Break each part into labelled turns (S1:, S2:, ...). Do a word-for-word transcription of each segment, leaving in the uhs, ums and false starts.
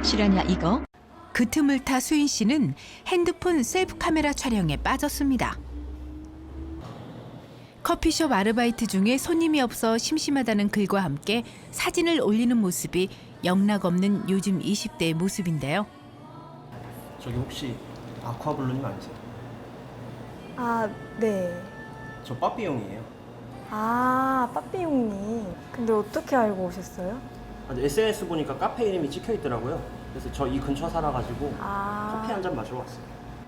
S1: 실화냐 이거?
S2: 그 틈을 타 수인 씨는 핸드폰 셀프 카메라 촬영에 빠졌습니다. 커피숍 아르바이트 중에 손님이 없어 심심하다는 글과 함께 사진을 올리는 모습이 영락없는 요즘 이십 대의 모습인데요.
S3: 저기 혹시 아쿠아블루님 아니세요?
S4: 아, 네.
S3: 저 빠삐용이에요.
S4: 아, 빠삐용님. 근데 어떻게 알고 오셨어요?
S3: 에스엔에스 보니까 카페 이름이 찍혀 있더라고요. 그래서 저 이 근처 살아가지고
S4: 아,
S3: 커피 한 잔 마시러 왔어요.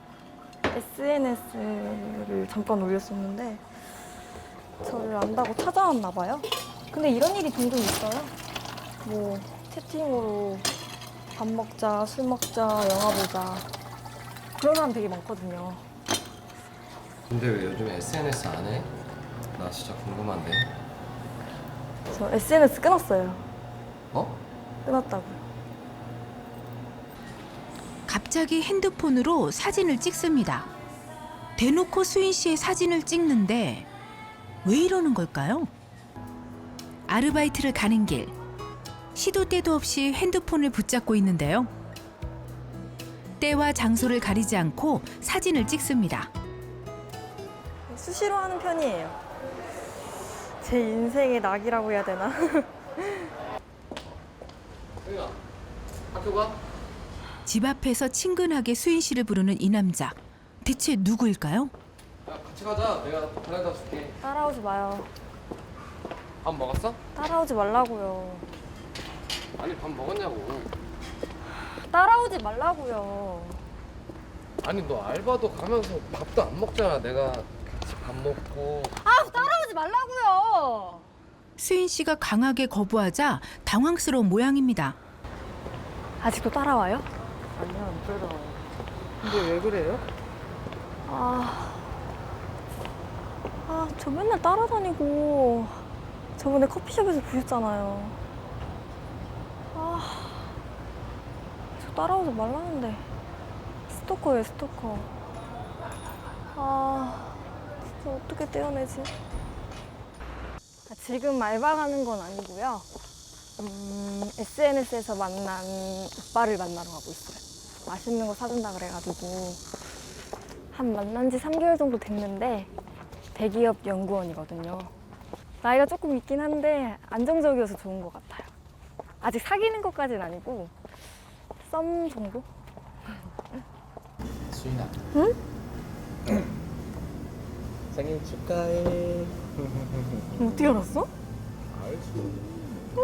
S4: 에스엔에스를 잠깐 올렸었는데 저를 안다고 찾아왔나 봐요. 근데 이런 일이 종종 있어요. 뭐 채팅으로 밥 먹자, 술 먹자, 영화 보자 그런 사람 되게 많거든요.
S5: 근데 왜 요즘 에스엔에스 안 해? 나 진짜 궁금한데.
S4: 저 에스엔에스 끊었어요.
S5: 어?
S4: 끊었다고요.
S2: 갑자기 핸드폰으로 사진을 찍습니다. 대놓고 수인 씨의 사진을 찍는데 왜 이러는 걸까요? 아르바이트를 가는 길, 시도 때도 없이 핸드폰을 붙잡고 있는데요. 때와 장소를 가리지 않고 사진을 찍습니다.
S4: 수시로 하는 편이에요. 제 인생의 낙이라고 해야 되나?
S5: 수인아, 학교 가?
S2: 집 앞에서 친근하게 수인 씨를 부르는 이 남자. 대체 누구일까요?
S5: 야, 같이 가자. 내가 데려다 줄게.
S4: 따라오지 마요.
S5: 밥 먹었어?
S4: 따라오지 말라고요.
S5: 아니, 밥 먹었냐고.
S4: 따라오지 말라고요.
S5: 아니, 너 알바도 가면서 밥도 안 먹잖아. 내가 같이 밥 먹고.
S4: 아, 따라오지 말라고요.
S2: 수인 씨가 강하게 거부하자 당황스러운 모양입니다.
S4: 아직도 따라와요?
S6: 아니야, 안 따라와요. 근데 왜 그래요?
S4: 아, 아, 저 맨날 따라다니고 저번에 커피숍에서 보셨잖아요. 아, 저 따라오지 말라는데 스토커예요, 스토커. 아, 진짜 어떻게 떼어내지? 아, 지금 알바 가는 건 아니고요. 음, 에스엔에스에서 만난 오빠를 만나러 가고 있어요. 맛있는 거 사준다 그래가지고 한 만난 지 삼 개월 정도 됐는데 대기업 연구원이거든요. 나이가 조금 있긴 한데 안정적이어서 좋은 것 같아요. 아직 사귀는 것까지는 아니고 썸 정도?
S5: 수인아.
S4: 응?
S3: 생일 축하해.
S4: 어떻게 알았어?
S3: 알지.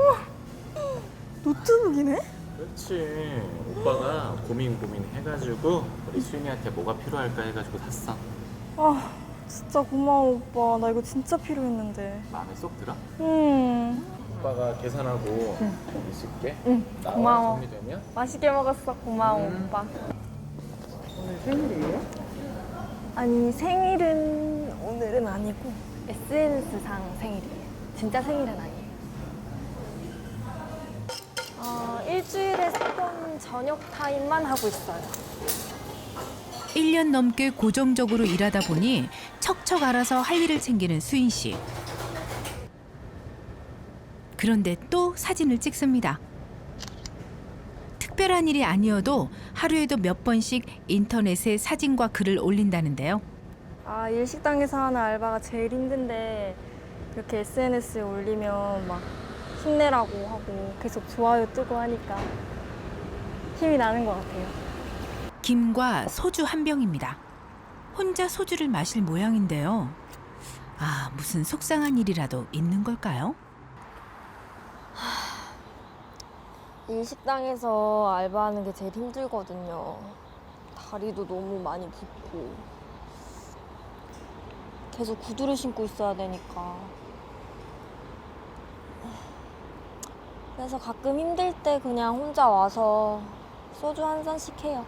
S4: 노트북이네?
S7: 그렇지. 오빠가 고민 고민 해가지고 우리 수인이한테 뭐가 필요할까 해가지고 샀어.
S4: 아, 진짜 고마워 오빠. 나 이거 진짜 필요했는데.
S7: 마음에 쏙 들어?
S4: 음,
S7: 오빠가 계산하고 있을게.
S4: 응,
S7: 나와,
S4: 고마워.
S7: 정리되면.
S4: 맛있게 먹었어. 고마워
S7: 음.
S4: 오빠.
S6: 오늘 생일이에요?
S4: 아니 생일은 오늘은 아니고 에스엔에스상 생일이에요. 진짜 생일은 아니에요. 어, 일주일에 세 번 저녁 타임만 하고 있어요.
S2: 일 년 넘게 고정적으로 일하다 보니 척척 알아서 할 일을 챙기는 수인 씨. 그런데 또 사진을 찍습니다. 특별한 일이 아니어도 하루에도 몇 번씩 인터넷에 사진과 글을 올린다는데요.
S4: 아, 일식당에서 하는 알바가 제일 힘든데 이렇게 에스엔에스에 올리면 막 힘내라고 하고 계속 좋아요 뜨고 하니까 힘이 나는 것 같아요.
S2: 김과 소주 한 병입니다. 혼자 소주를 마실 모양인데요. 아, 무슨 속상한 일이라도 있는 걸까요?
S4: 일식당에서 알바하는 게 제일 힘들거든요. 다리도 너무 많이 붓고 계속 구두를 신고 있어야 되니까. 그래서 가끔 힘들 때 그냥 혼자 와서 소주 한 잔씩 해요.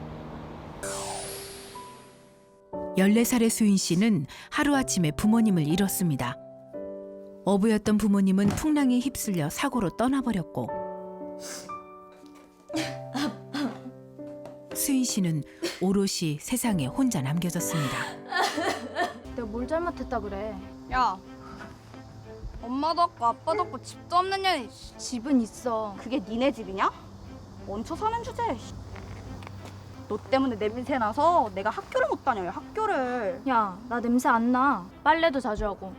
S2: 열네 살의 수인 씨는 하루아침에 부모님을 잃었습니다. 어부였던 부모님은 풍랑에 휩쓸려 사고로 떠나버렸고 수인 씨는 오롯이 세상에 혼자 남겨졌습니다.
S8: 내가 뭘 잘못했다 그래.
S9: 야, 엄마도 없고 아빠도 없고 집도 없는 년이
S8: 집은 있어.
S9: 그게 니네 집이냐?
S1: 얹혀 사는 주제. 너 때문에 냄새 나서 내가 학교를 못 다녀요. 학교를.
S8: 야, 나 냄새 안 나. 빨래도 자주 하고.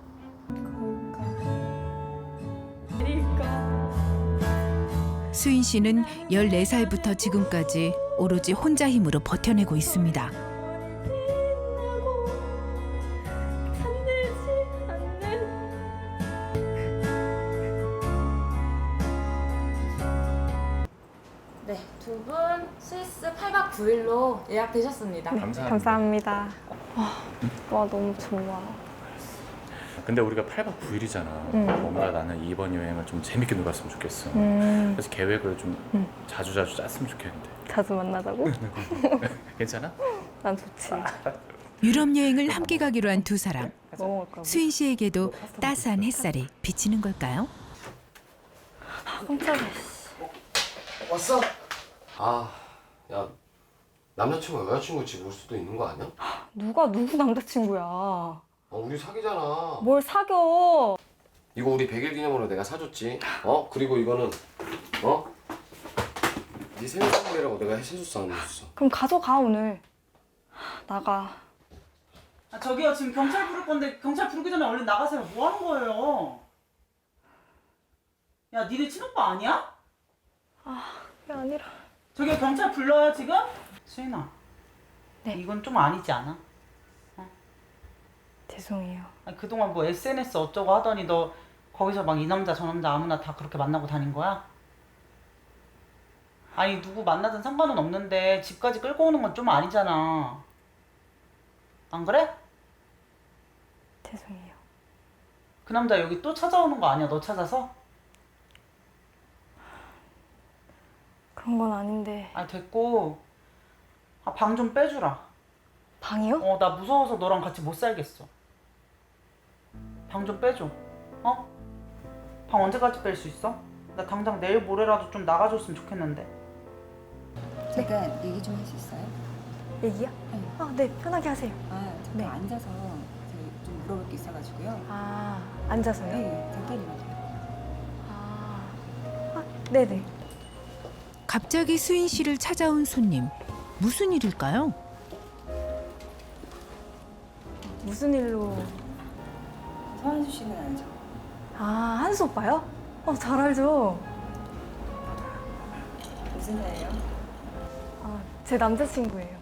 S2: 수인 씨는 열네 살부터 지금까지 오로지 혼자 힘으로 버텨내고 있습니다.
S9: 네, 두 분 스위스 팔 박 구 일로 예약되셨습니다.
S7: 감사합니다.
S4: 감사합니다. 와, 와 너무 좋아.
S7: 근데 우리가 팔 박 구 일이잖아.
S4: 응.
S7: 뭔가 나는 이번 여행을 좀 재밌게 놀았으면 좋겠어.
S4: 음,
S7: 그래서 계획을 좀
S4: 응.
S7: 자주 자주 짰으면 좋겠는데.
S4: 자주 만나자고?
S7: 괜찮아?
S4: 난 좋지.
S2: 유럽 여행을 함께 가기로 한 두 사람.
S4: 뭐 먹을까?
S2: 수인 씨에게도 따스한 햇살이 비치는 걸까요?
S4: 깜짝이야.
S5: 왔어? 아, 야, 남자친구가 여자친구 집 올 수도 있는 거 아니야?
S4: 누가 누구 남자친구야?
S5: 어, 우리 사귀잖아.
S4: 뭘 사겨?
S5: 이거 우리 백 일 기념으로 내가 사줬지. 어? 그리고 이거는 어? 네 생일 선물이라고 내가 해줬어, 안 해줬어?
S4: 그럼 가져가 오늘. 나가.
S6: 아, 저기요, 지금 경찰 부를 건데 경찰 부르기 전에 얼른 나가세요. 뭐 하는 거예요? 야, 니네 친오빠 아니야?
S4: 그게 아니라.
S6: 저기요, 경찰 불러요, 지금? 수인아.
S4: 네.
S6: 이건 좀 아니지 않아?
S4: 죄송해요.
S6: 아니, 그동안 뭐 에스엔에스 어쩌고 하더니 너 거기서 막 이 남자 저 남자 아무나 다 그렇게 만나고 다닌 거야? 아니, 누구 만나든 상관은 없는데 집까지 끌고 오는 건 좀 아니잖아. 안 그래?
S4: 죄송해요.
S6: 그 남자 여기 또 찾아오는 거 아니야, 너 찾아서?
S4: 그런 건 아닌데.
S6: 아니, 됐고. 아, 방 좀 빼주라.
S4: 방이요?
S6: 어, 나 무서워서 너랑 같이 못 살겠어. 방 좀 빼줘. 어? 방 언제까지 뺄 수 있어? 나 당장 내일 모레라도 좀 나가줬으면 좋겠는데.
S10: 잠깐 얘기 좀 할 수 있어요?
S4: 얘기야?
S10: 네.
S4: 아, 네. 편하게 하세요.
S10: 아, 잠깐
S4: 네.
S10: 앉아서 저희 좀 물어볼 게 있어가지고요.
S4: 아, 앉아서요?
S10: 네, 잠깐이라도.
S4: 아, 아, 네네.
S2: 갑자기 수인 씨를 찾아온 손님. 무슨 일일까요?
S4: 무슨 일로?
S10: 서한수 씨는 알죠?
S4: 아, 한수 오빠요? 어, 잘 알죠.
S10: 무슨 사이예요?
S4: 아, 제 남자친구예요.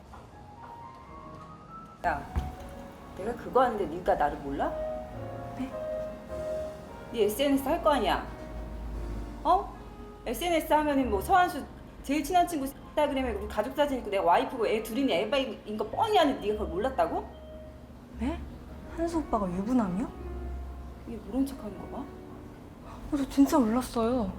S10: 야, 내가 그거 하는데 네가 나를 몰라?
S4: 네?
S10: 네 에스엔에스 할 거 아니야? 어? 에스엔에스 하면은 뭐 서한수 제일 친한 친구 인스타그램에 우리 가족 사진 있고 내가 와이프고 애 둘이니 애바인 거 뻔히 아는 네가 그걸 몰랐다고?
S4: 네? 한수 오빠가 유부남이요?
S10: 이게 모른 척하는 거 봐?
S4: 어, 저 진짜 몰랐어요.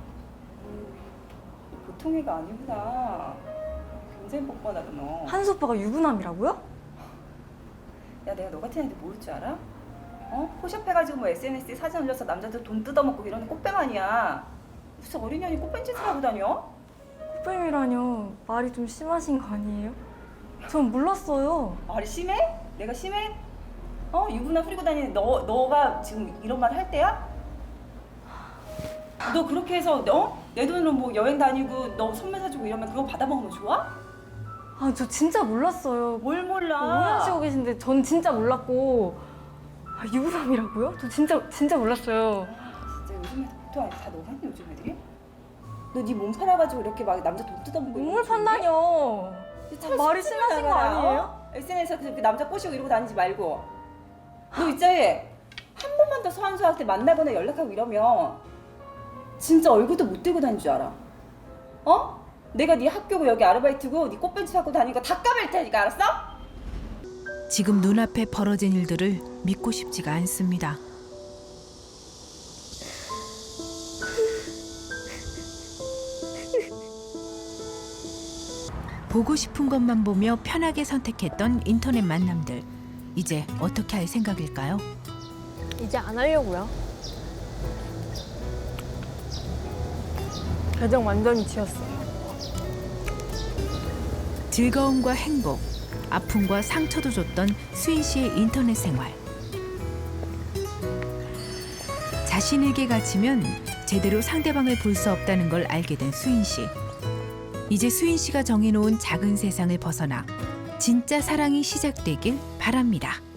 S10: 보통 애가 아니구나. 굉장히 뻔뻔하다 너.
S4: 한수 오빠가 유부남이라고요?
S10: 야, 내가 너 같은 애한테 모를 줄 알아? 어? 포샵해가지고 뭐 에스엔에스에 사진 올려서 남자들 돈 뜯어먹고 이러는 꽃뱀 아니야. 무슨 어린년이 꽃뱀 짓을 하고 다녀?
S4: 꽃뱀이라뇨. 말이 좀 심하신 거 아니에요? 전 몰랐어요.
S10: 말이 심해? 내가 심해? 어? 유부남 후리고 다니는 너, 너가 지금 이런 말 할 때야? 너 그렇게 해서 너? 내 돈으로 뭐 여행 다니고 너 선물 사주고 이러면 그거 받아먹으면 좋아?
S4: 아, 저 진짜 몰랐어요.
S10: 뭘 몰라?
S4: 오해하시고 계신데 전 진짜 몰랐고. 아, 유부남이라고요? 저 진짜 진짜 몰랐어요.
S10: 진짜 요즘에 보통 아니 다 너같니 요즘 애들이? 너 네 몸 팔아가지고 이렇게 막 남자 돈 뜯어먹고
S4: 눈물 판다뇨.
S10: 차라리
S4: 말이
S10: 속쓰지
S4: 심하신 거
S10: 말아라,
S4: 아니에요?
S10: 어? 에스엔에스에서 그 남자 꼬시고 이러고 다니지 말고 너 있자에 한 번만 더 서한수한테 만나거나 연락하고 이러면 진짜 얼굴도 못 들고 다닐 줄 알아. 어? 내가 네 학교고 여기 아르바이트고 네 꽃ben치 갖고 다니니까 다 까맬 테니까 알았어?
S2: 지금 눈앞에 벌어진 일들을 믿고 싶지가 않습니다. 보고 싶은 것만 보며 편하게 선택했던 인터넷 만남들. 이제 어떻게 할 생각일까요?
S4: 이제 안 하려고요. 계정 완전히 지웠어요.
S2: 즐거움과 행복, 아픔과 상처도 줬던 수인 씨의 인터넷 생활. 자신에게 갇히면 제대로 상대방을 볼 수 없다는 걸 알게 된 수인 씨. 이제 수인 씨가 정해놓은 작은 세상을 벗어나 진짜 사랑이 시작되길 바랍니다.